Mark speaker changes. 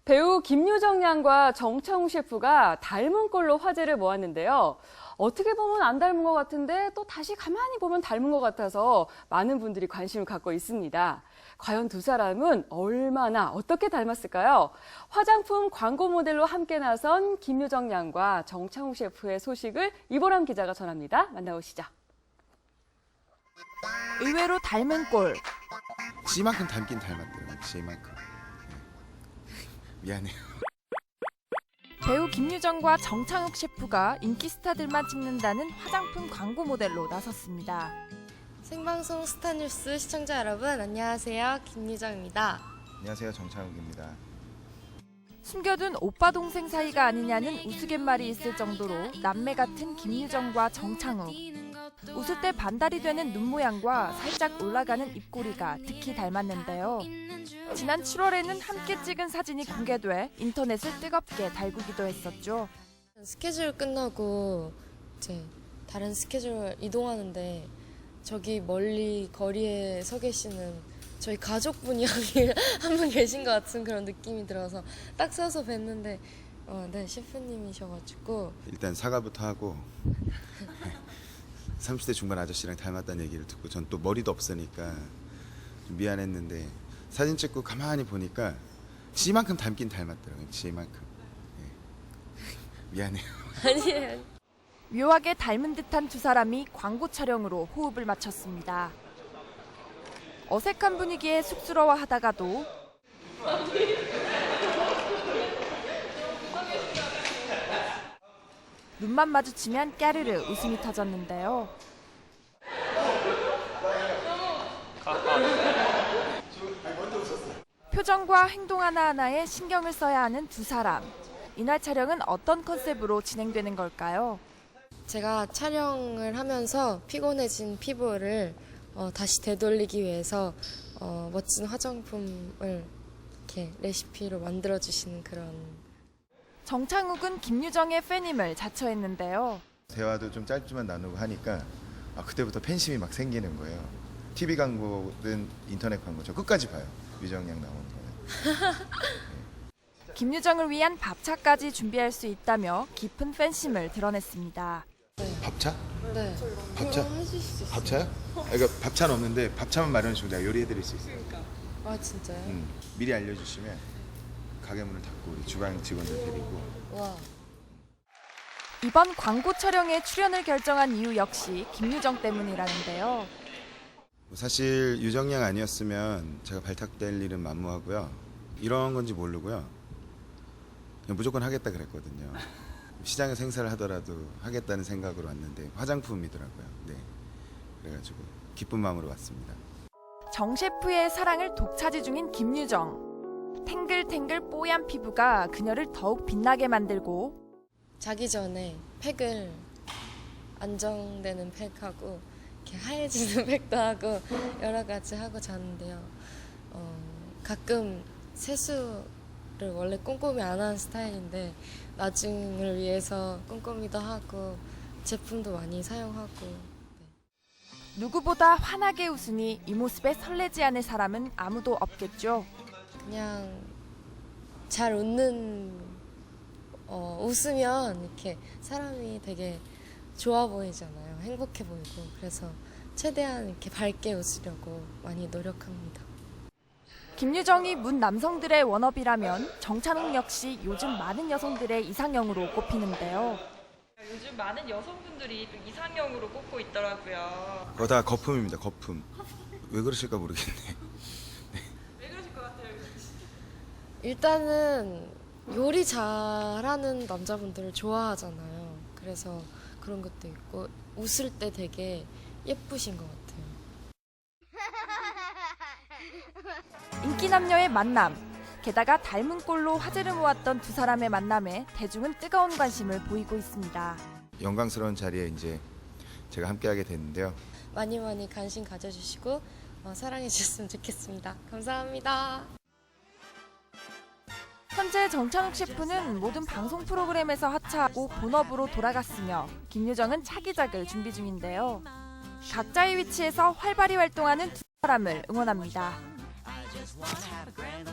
Speaker 1: 배우 김유정 양과 정창욱 셰프가 닮은 꼴로 화제를 모았는데요. 어떻게 보면 안 닮은 것 같은데 또 다시 가만히 보면 닮은 것 같아서 많은 분들이 관심을 갖고 있습니다. 과연 두 사람은 얼마나 어떻게 닮았을까요? 화장품 광고 모델로 함께 나선 김유정 양과 정창욱 셰프의 소식을 이보람 기자가 전합니다. 만나보시죠.
Speaker 2: 의외로 닮은 꼴.
Speaker 3: 지만큼 닮긴 닮았대요. 지만큼. 미안해요.
Speaker 2: 배우 김유정과 정창욱 셰프가 인기 스타들만 찍는다는 화장품 광고 모델로 나섰습니다.
Speaker 4: 생방송 스타뉴스 시청자 여러분, 안녕하세요. 김유정입니다.
Speaker 3: 안녕하세요. 정창욱입니다.
Speaker 2: 숨겨둔 오빠 동생 사이가 아니냐는 우스갯말이 있을 정도로 남매 같은 김유정과 정창욱. 웃을 때 반달이 되는 눈 모양과 살짝 올라가는 입꼬리가 특히 닮았는데요. 지난 7월에는 함께 찍은 사진이 공개돼 인터넷을 뜨겁게 달구기도 했었죠.
Speaker 4: 스케줄 끝나고 이제 다른 스케줄 이동하는데 저기 멀리 거리에 서 계시는 저희 가족분이 여기 한 분 계신 것 같은 그런 느낌이 들어서 딱 서서 뵀는데 네, 셰프님이셔가지고
Speaker 3: 일단 사과부터 하고 30대 중반 아저씨랑 닮았다는 얘기를 듣고 전 또 머리도 없으니까 좀 미안했는데 사진 찍고 가만히 보니까 지만큼 닮긴 닮았더라고요. 지만큼. 미안해요.
Speaker 4: 아니에요.
Speaker 2: 묘하게 닮은 듯한 두 사람이 광고 촬영으로 호흡을 맞췄습니다. 어색한 분위기에 쑥스러워하다가도 눈만 마주치면 까르르 웃음이 터졌는데요. 표정과 행동 하나하나에 신경을 써야 하는 두 사람. 이날 촬영은 어떤 컨셉으로 진행되는 걸까요?
Speaker 4: 제가 촬영을 하면서 피곤해진 피부를 다시 되돌리기 위해서 멋진 화장품을 이렇게 레시피로 만들어주시는 그런.
Speaker 2: 정창욱은 김유정의 팬임을 자처했는데요.
Speaker 3: 대화도 좀 짧지만 나누고 하니까 그때부터 팬심이 막 생기는 거예요. TV 광고든 인터넷 광고 저 끝까지 봐요. 유정 양 나오는 거는.
Speaker 2: 김유정을 위한 밥차까지 준비할 수 있다며 깊은 팬심을 드러냈습니다.
Speaker 3: 밥차?
Speaker 4: 네.
Speaker 3: 밥차?
Speaker 4: 그럼 해주실 수 있어요?
Speaker 3: 밥차요? 그러니까 밥차는 없는데 밥차만 마련해 주면 내가 요리해 드릴 수 있어요.
Speaker 4: 아 진짜요?
Speaker 3: 미리 알려주시면 가게 문을 닫고 우리 주방 직원들 데리고.
Speaker 4: 와.
Speaker 2: 이번 광고 촬영에 출연을 결정한 이유 역시 김유정 때문이라는데요.
Speaker 3: 사실 유정 양 아니었으면 제가 발탁될 일은 만무하고요. 이런 건지 모르고요. 그냥 무조건 하겠다 그랬거든요. 시장에서 행사를 하더라도 하겠다는 생각으로 왔는데 화장품이더라고요. 네, 그래가지고 기쁜 마음으로 왔습니다.
Speaker 2: 정 셰프의 사랑을 독차지 중인 김유정. 탱글탱글 뽀얀 피부가 그녀를 더욱 빛나게 만들고
Speaker 4: 자기 전에 팩을 안정되는 팩하고 이렇게 하얘지는 팩도 하고 여러 가지 하고 자는데요. 가끔 세수를 원래 꼼꼼히 안 하는 스타일인데 나중을 위해서 꼼꼼히도 하고 제품도 많이 사용하고. 네.
Speaker 2: 누구보다 환하게 웃으니 이 모습에 설레지 않을 사람은 아무도 없겠죠.
Speaker 4: 그냥 잘 웃으면 이렇게 사람이 되게 좋아 보이잖아요. 행복해 보이고. 그래서 최대한 이렇게 밝게 웃으려고 많이 노력합니다.
Speaker 2: 김유정이 문 남성들의 워너비라면 정찬욱 역시 요즘 많은 여성들의 이상형으로 꼽히는데요.
Speaker 5: 요즘 많은 여성분들이 또 이상형으로 꼽고 있더라고요.
Speaker 3: 그거 다 거품입니다. 거품. 왜 그러실까 모르겠네.
Speaker 5: 왜 그러실 것 같아요?
Speaker 4: 일단은 요리 잘하는 남자분들을 좋아하잖아요. 그래서 그런 것도 있고 웃을 때 되게 예쁘신 것 같아요.
Speaker 2: 인기 남녀의 만남. 게다가 닮은 꼴로 화제를 모았던 두 사람의 만남에 대중은 뜨거운 관심을 보이고 있습니다.
Speaker 3: 영광스러운 자리에 이제 제가 함께하게 됐는데요.
Speaker 4: 많이 많이 관심 가져주시고 사랑해 주셨으면 좋겠습니다. 감사합니다.
Speaker 2: 현재 정찬욱 셰프는 모든 방송 프로그램에서 하차하고 본업으로 돌아갔으며 김유정은 차기작을 준비 중인데요. 각자의 위치에서 활발히 활동하는 두 사람을 응원합니다.